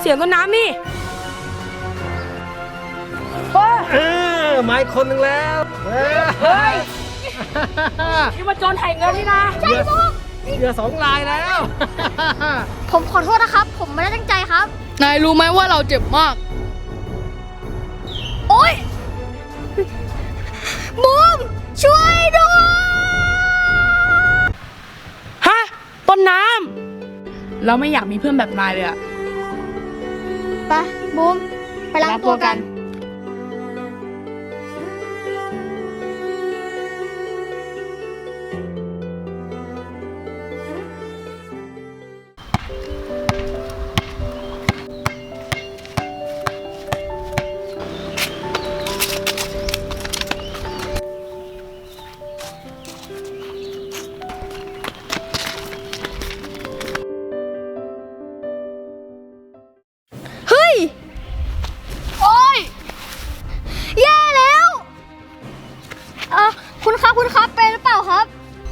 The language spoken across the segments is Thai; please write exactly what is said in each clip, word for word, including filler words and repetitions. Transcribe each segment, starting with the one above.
เสียงต้นน้ำนี่เออมาอีกคนหนึ่งแล้วเฮ้ยนี่มาโจรไถ่เงินนี่นะใช่ปุ๊บเหลือสองลายแล้วผมขอโทษนะครับ ผมไม่ได้ตั้งใจครับนายรู้ไหมว่าเราเจ็บมากโอ๊ยบูมช่วยด้วยฮะต้นน้ำเราไม่อยากมีเพื่อนแบบนายเลยอะไปบูมไปล้างตัวกันแย่แล้วเออคุณครับคุณครับเป็นหรือเปล่าครับ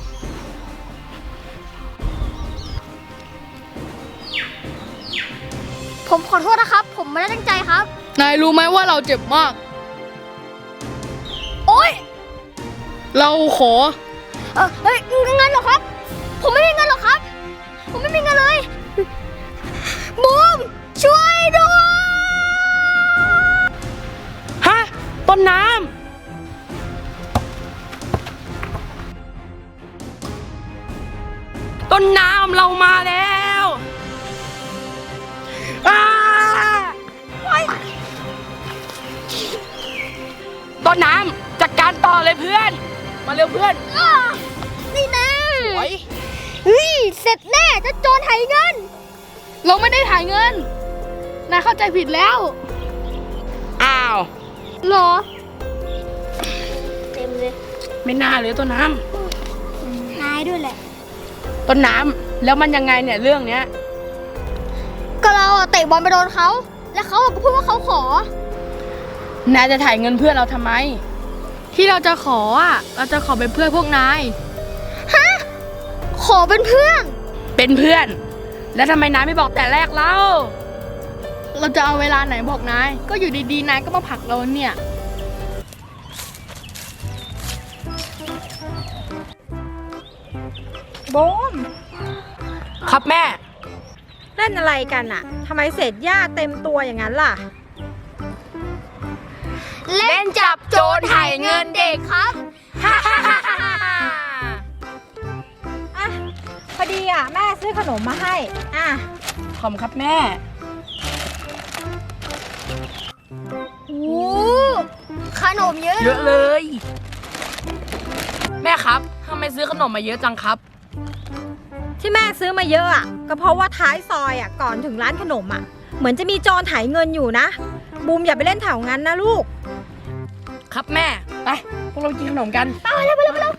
ผมขอโทษนะครับ ผมไม่ได้ตั้งใจครับนายรู้ไหมว่าเราเจ็บมากโอ๊ยเราขอเออเฮ้ยเงินเหรอครับผมไม่มีเงินหรอกครับผมไม่มีเงินเลยบูมช่วยด้วยฮะต้นน้ำต้นน้ำเรามาแล้วต้นน้ำจัดการต่อเลยเพื่อนมาเร็วเพื่อนนี่แน่เฮ้ยเสร็จแน่จะโจรไถเงินเราไม่ได้ถ่ายเงินนายเข้าใจผิดแล้วอ้าวหรอเต็มเลยไม่น่าเลยต้นน้ำนายด้วยแหละต้นน้ำแล้วมันยังไงเนี่ยเรื่องเนี้ยก็เราเตะบอลไปโดนเขาแล้วเขาก็พูดว่าเขาขอนายจะถ่ายเงินเพื่อนเราทำไมที่เราจะขออ่ะเราจะขอเป็นเพื่อนพวกนายฮะขอเป็นเพื่อนเป็นเพื่อนแล้วทำไมนายไม่บอกแต่แรกเล่าเราจะเอาเวลาไหนบอกนายก็อยู่ดีๆนายก็มาผลักเราเนี่ยบูมครับแม่เล่นอะไรกันอะทำไมเศษหญ้าเต็มตัวอย่างนั้นล่ะเล่นจับโจรไถเงินเด็กครับฮ่าฮ่าฮ่าฮ่าอ่ะพอดีอ่ะแม่ซื้อขนมมาให้อ่ะขอบครับแม่โอ้ขนมเยอะเยอะเลยแม่ครับทำไมซื้อขนมมาเยอะจังครับที่แม่ซื้อมาเยอะอ่ะก็เพราะว่าท้ายซอยอ่ะก่อนถึงร้านขนมอ่ะเหมือนจะมีโจรไถเงินอยู่นะบูมอย่าไปเล่นแถวงั้นนะลูกครับแม่ไปพวกเรากินขนมกันไปเร็วไปเร็วไปเร็ว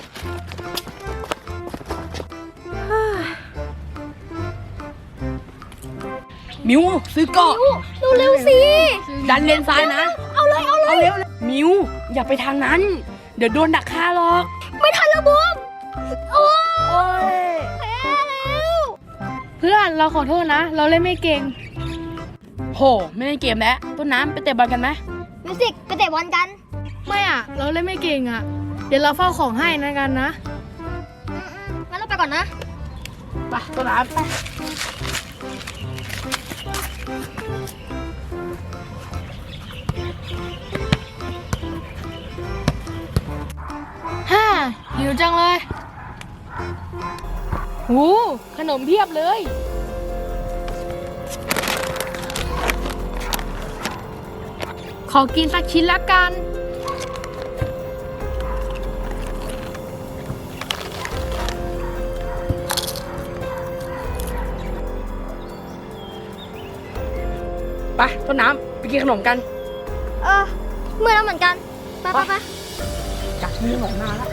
มิวซื้อเกาะเร็วๆสิดันเลนซ้ายนะเอาเลยเอาเลยเอาเร็วมิวอย่าไปทางนั้นเดี๋ยวโดนดักฆ่าหรอกไม่ทันแล้วบูมโอ้ยแพ้แล้วเพื่อนเราขอโทษนะเราเล่นไม่เก่งโหไม่เล่นเกมแล้วต้นน้ำไปเตะบอลกันไหมมิวสิกไปเตะบอลกันไม่อ่ะเราเล่นไม่เก่งอ่ะเดี๋ยวเราเฝ้าของให้นะกันนะงั้นเราไปก่อนนะไปต้นน้ำไปฮ่าหิวจังเลยโอ้ขนมเพียบเลยขอกินสักชิ้นละกันไปต้นน้ำไปกินขนมกันเออเมื่อแล้วเหมือนกันไปไปไปจับมือหนมหน้าแล้ว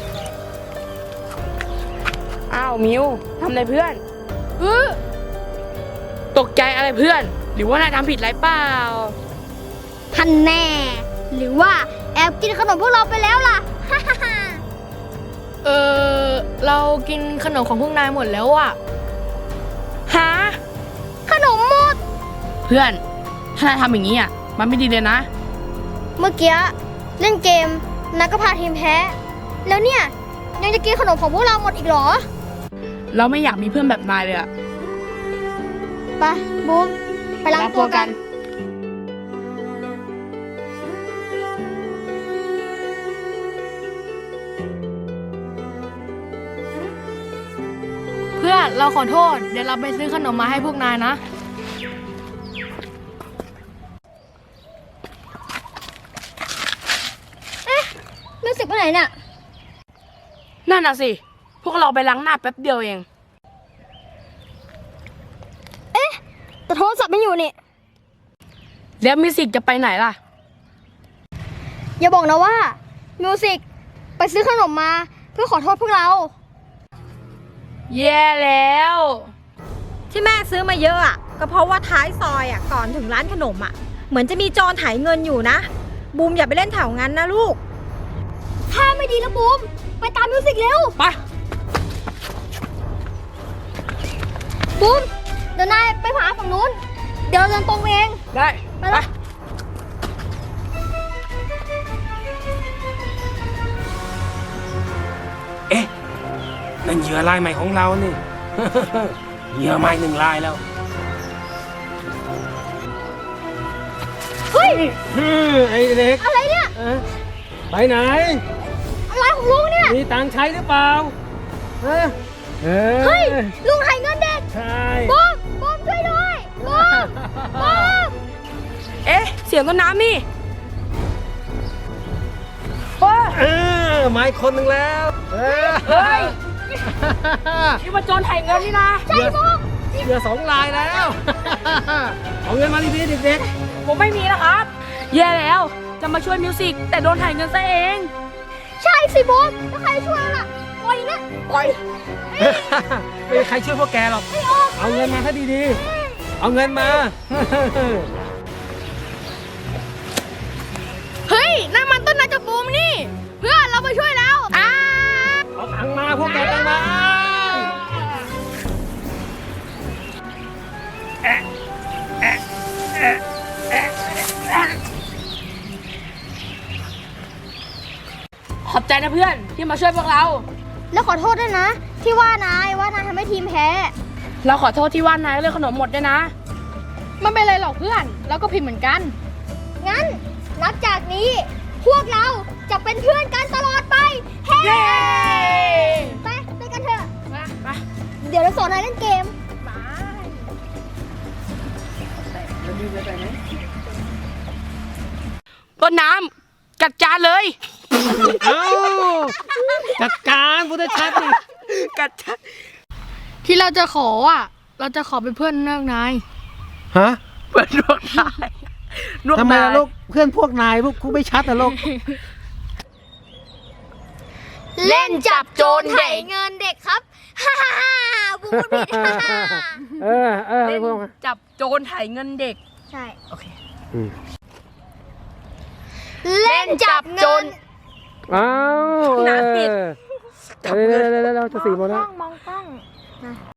อ้าวมิวทำอะไรเพื่อนเออตกใจอะไรเพื่อนหรือว่านายทำผิดอะไรเปล่าท่านแน่หรือว่าแอบกินขนมพวกเราไปแล้วล่ะเออเรากินขนมของพวกนายหมดแล้วอ่ะฮะขนมหมดเพื่อนถ้านายทำอย่างนี้อ่ะมันไม่ดีเลยนะเมื่อกี้เล่นเกมนายก็พาทีมแพ้ แล้วเนี่ยยังจะกินขนมของพวกเราหมดอีกเหรอเราไม่อยากมีเพื่อนแบบนายเลยอ่ะไปบูมไปล้างตัวกันเพื่อนเราขอโทษ เดี๋ยวเราไปซื้อขนมมาให้พวกนายนะมิวสิกไปไหนเนี่ยนั่นน่ะสิ พวกเราไปล้างหน้าแป๊บเดียวเองแต่โทรศัพท์ไม่อยู่นี่แล้วมิวสิกจะไปไหนล่ะอย่าบอกนะว่ามิวสิกไปซื้อขนมมาเพื่อขอโทษพวกเราแย่แล้วที่แม่ซื้อมาเยอะอ่ะก็เพราะว่าท้ายซอยอ่ะก่อนถึงร้านขนมอ่ะเหมือนจะมีโจรไถเงินอยู่นะบูมอย่าไปเล่นแถวงั้นนะลูกถ้าไม่ดีแล้วบูมไปตามมิวสิกเร็วไปบูมเดี๋ยวนายไปผาฝั่งนู้น เดี๋ยวเราเดินตรงเองได้ไปละเอ๊ะนั่นเหยื่อรายใหม่ของเรานี่ เหยื่อใหม่หนึ่งรายแล้วเฮ้ยอืมไอ้เล็กอะไรเนี่ยเอ๊ะไปไหนอะไรของลุงเนี่ยมีตังค์ใช้หรือเปล่าเอ๊ะเอ้เฮ้ยยลุงไถเงินเด็กใช่บูมบูมช่วยด้วยบูมบูมเอ๊ะ เสียงต้นน้ำนี่เออมาอีกคนหนึ่งแล้วเอ้ยเฮ้ย นี่มันโจรไถเงินนี่นะใช่บูมเหยื่อสองรายแล้ว เอาเงินมาดีๆเด็กผมไม่มีนะครับ แย่แล้ว จะมาช่วยมิวสิกแต่โดนไถเงินซะเองใช่สิบูมแล้วใครช่วยเราล่ะปล่อยนะปล่อยๆไม่มีใครช่วยพวกแกหรอก เอาเงินมาถ้าดีๆ เอาเงินมาเฮ้ยนั่นมันต้นนาจะบูมนี่ เพื่อนเราไปช่วยแล้วอ้าเอาตังค์มาพวกแกตังค์มาแอะแอะแอะแอะแอะขอบใจนะเพื่อนที่มาช่วยพวกเราแล้วขอโทษด้วยนะ ที่ว่านายว่านายทำให้ทีมแพ้เราขอโทษที่ว่านายเรื่องขนมหมดด้วยนะไม่เป็นไรหรอกเพื่อน เราก็ผิดเหมือนกันงั้นนับจากนี้ พวกเราจะเป็นเพื่อนกันตลอดไป เฮ้เย้ไปไปกันเถอะมาไปเดี๋ยวเราสอนนายเล่นเกมต้นน้ำกัดจานเลยเอ้าจัดการพุทธชัดนี่กัดจานที่เราจะขออ่ะ เราจะขอเป็นเพื่อนเลือกนายฮะเปิดลวกนายลวกทำไมนายล่ะลูกเพื่อนพวกนายพวกกูไม่ชัดนะลูกเล่นจับโจรไถเงินเด็กครับ ฮ่าฮ่าฮ่าบูมพูดผิดฮ่าฮ่าเออเออเล่นพวกจับโจรไถเงินเด็กใช่โอเคอืมเล่นจับเงินอ้าวน้ำปิดเออเดี๋ยวเดี๋ยวเดี๋ยวเดี๋ยวจะสี่โมงแล้วมองกล้อง